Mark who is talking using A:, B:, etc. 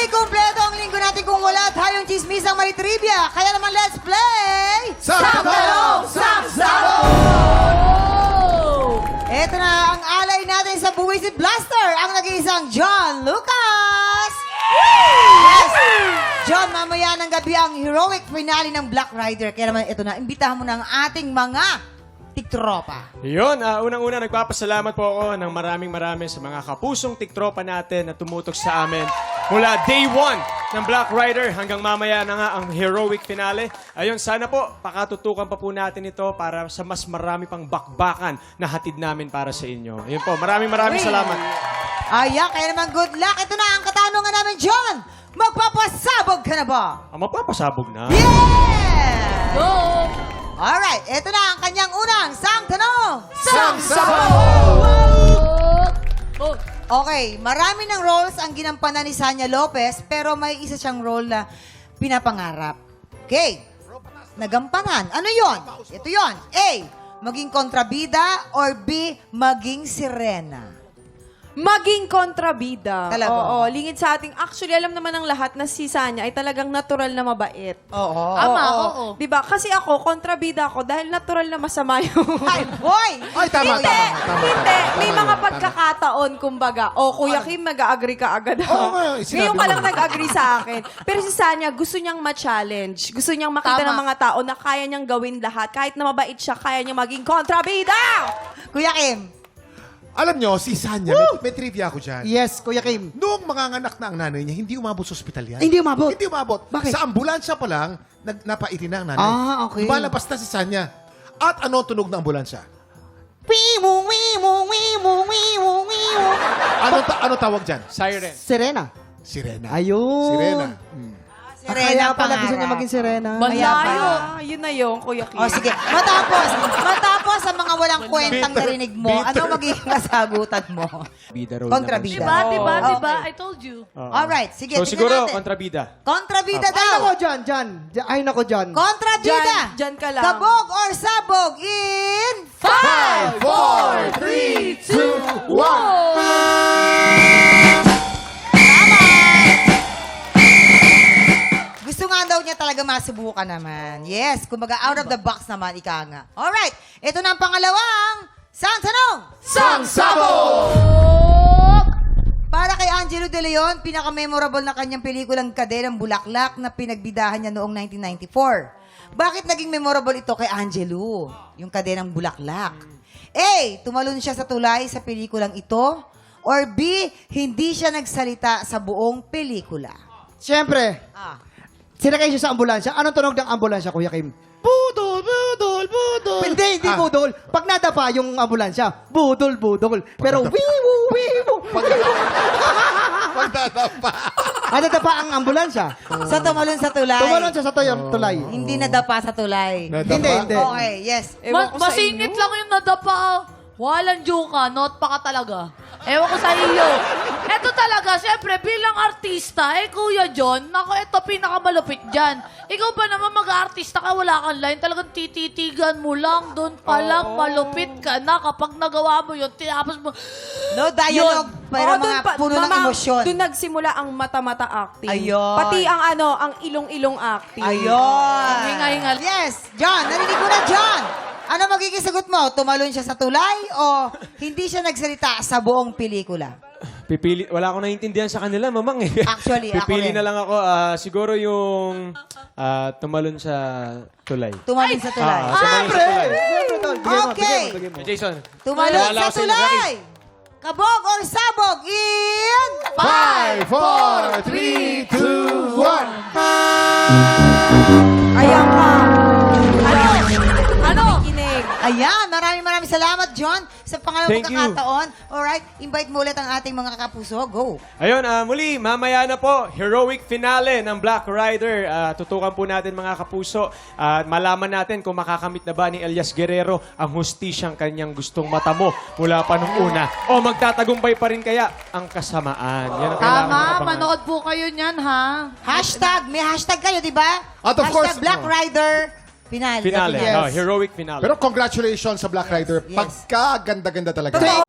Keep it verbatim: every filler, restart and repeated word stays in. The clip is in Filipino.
A: kumpleto ang linggo natin kung wala tayong chismisang may trivia. Kaya naman, let's play!
B: Saktanong Saksabo!
A: Ito na ang alay natin sa Buwisit Blaster, ang nag-iisang John Lucas! Yes! John, mamaya ng gabi ang heroic finale ng Black Rider. Kaya naman, ito na, imbitahan mo na ang ating mga tiktropa.
C: Yun, uh, unang-una nagpapasalamat po ako ng maraming maraming sa mga kapusong tiktropa natin na tumutok sa amin mula day one ng Black Rider hanggang mamaya na nga ang heroic finale. Ayun, sana po pakatutukan pa po natin ito para sa mas marami pang bakbakan na hatid namin para sa inyo. Ayun po, maraming maraming salamat.
A: Ayan, kaya naman good luck. Ito na ang katanungan namin, John. Magpapasabog ka na ba?
C: Ang mapapasabog na.
A: Yeah! Go! Alright, ito na ang kanyang unang sang tanong.
B: Saksabo!
A: Okay, marami ng roles ang ginampanan ni Sanya Lopez, pero may isa siyang role na pinapangarap. Okay, nagampanan. Ano yon? Ito yon. A, maging kontrabida, or B, maging sirena.
D: Maging kontrabida.
A: Talaga?
D: Oo, lingid sa ating... Actually, alam naman ng lahat na si Sanya ay talagang natural na mabait.
A: Oo.
D: Tama, oo. Diba? Kasi ako, kontrabida ako dahil natural na masama yung...
A: Ay, boy!
B: Ay, tama,
D: Hindi,
B: tama, tama.
D: hindi. May
B: Tama
D: mga
B: yun,
D: pagkakataon, kumbaga, o Kuya Kim, mag-agree ka agad ako.
B: Oo nga, sinabi
D: Ngayon ka
B: mo.
D: lang nag-agree sa akin. Pero si Sanya, gusto niyang ma-challenge. Gusto niyang makita
A: Tama.
D: ng mga tao na kaya niyang gawin lahat. Kahit na mabait siya, kaya niyang maging kontrabida!
A: Kuya Kim.
B: Alam nyo, si Sanya, may, may trivia ako dyan.
E: Yes, Kuya Kim.
B: Noong manganganak na ang nanay niya, hindi umabot sa ospital yan.
E: Hindi umabot?
B: Hindi umabot.
E: Bakit?
B: Sa ambulansya pa lang, nag, napaitin na ang nanay.
E: Ah, okay.
B: Lumalabas na si Sanya. At ano ang tunog ng ambulansya?
E: Wimu, wimu, wimu, wimu, wimu.
B: Ano, ta ano tawag dyan?
C: Siren.
E: Sirena.
B: Sirena.
E: Ayun.
B: Sirena. Hmm.
E: Kaya pala gusto niya
A: pangarap.
E: maging sirena.
D: Malayo. Ah, yun na yun, Kuya Kim.
A: O sige, matapos, matapos sa mga walang kwentang
B: Bitter.
A: narinig mo,
B: Bitter.
A: ano magiging kasagutan mo?
C: Bida role
A: Kontrabida.
C: naman siya.
F: Diba, diba,
A: Okay.
F: diba? I told you.
C: Oo.
A: Alright, sige,
C: So
A: tingnan
C: siguro,
A: natin.
C: kontrabida.
A: Kontrabida
E: Ay,
A: daw.
E: nako, John, John. J- Ay, nako, John.
A: Kontrabida.
D: Dyan, dyan ka lang.
A: Kabog or sabog in...
B: Five, four, three, two, one.
A: Gusto nga daw niya talaga masubukan naman. Yes, kumbaga out of the box naman, ika nga. Alright, ito na ang pangalawang sang tanong.
B: Saksabo!
A: Para kay Angelo De Leon, pinaka-memorable na kanyang pelikulang Kaderang Bulaklak na pinagbidahan niya noong nineteen ninety-four. Bakit naging memorable ito kay Angelo, yung Kaderang Bulaklak? A, tumalon siya sa tulay sa pelikulang ito. Or B, hindi siya nagsalita sa buong pelikula.
E: Siyempre,
A: Ah.
E: sinakay siya sa ambulansya. Anong tunog ng ambulansya, Kuya Kim? Budol, budol, budol. Hindi, hindi
B: Ah.
E: budol. Pag nadapa yung ambulansya, budol, budol. Pero wiwu, wiwu.
B: Pagdadapa.
E: Ano nadapa ang ambulansya?
A: Sa tumalon sa tulay.
E: Tumalon siya sa toy- tulay.
A: Hindi nadapa sa tulay.
B: Nadapa?
E: Hindi, hindi.
A: Okay, yes.
D: Ewan
F: Ma-
D: ko sa
F: masingit
D: inyo.
F: lang yung nadapa. Walang joke ka, not pa ka talaga. Ewan ko sa iyo. Eto talaga, siyempre, bilang artista, eh, Kuya John, naku, eto pinakamalupit dyan. Ikaw ba naman mag-artista ka, wala kang line, talagang tititigan mo lang, doon pa lang, malupit ka na. Kapag nagawa mo yun, tinapos mo,
A: No dialogue, pero
D: Oo, dun
A: mga
D: pa-
A: puno ng
D: mama,
A: emosyon.
D: Doon nagsimula ang mata-mata acting.
A: Ayun.
D: Pati ang ano, ang ilong-ilong acting.
A: Ayun.
F: Hinga-hinga.
A: Yes, John, narinig mo na, John. Ano magiging sagot mo? Tumalon siya sa tulay o hindi siya nagsalita sa buong pelikula?
C: Pipili, wala akong naiintindihan sa kanila, mamang eh.
A: Actually, ako
C: Pipili
A: rin.
C: na lang ako, ah, siguro yung ah, tumalon sa tulay.
A: Tumalon sa tulay.
C: Ah, tumalon sa tulay.
E: Siyempre, tol. Bigyan mo,
A: Okay.
E: bigyan mo, bigyan mo.
C: Jason.
A: Tumalon
C: wala
A: sa
C: ako sa inyo,
A: tulay. Kabog or sabog in...
B: Five, four, three, two, one.
D: Ayan ka. Ano?
F: ano?
D: Kinig.
A: Ayan, maraming maraming salamat, John, sa pangalawang
C: Thank you.
A: pagkakataon. Alright, invite mo ulit ang ating mga kapuso. Go.
C: Ayun, ah, muli, mamaya na po, heroic finale ng Black Rider. Ah, tutukan po natin mga kapuso at malaman natin kung makakamit na ba ni Elias Guerrero ang hustisyang kanyang gustong matamo mula pa nung una. O magtatagumpay pa rin kaya ang kasamaan. Yan ang kailangan
F: Tama,
C: makapangan.
F: manood po kayo niyan, ha?
A: Hashtag, may hashtag kayo, di ba?
B: At of
A: hashtag
B: course,
A: Black
B: oh.
A: Rider Finale.
C: Finale,
E: Yes.
C: oh, heroic finale.
B: Pero congratulations sa Black Rider.
A: Yes.
B: Pagka-ganda-ganda talaga.
E: Totoo.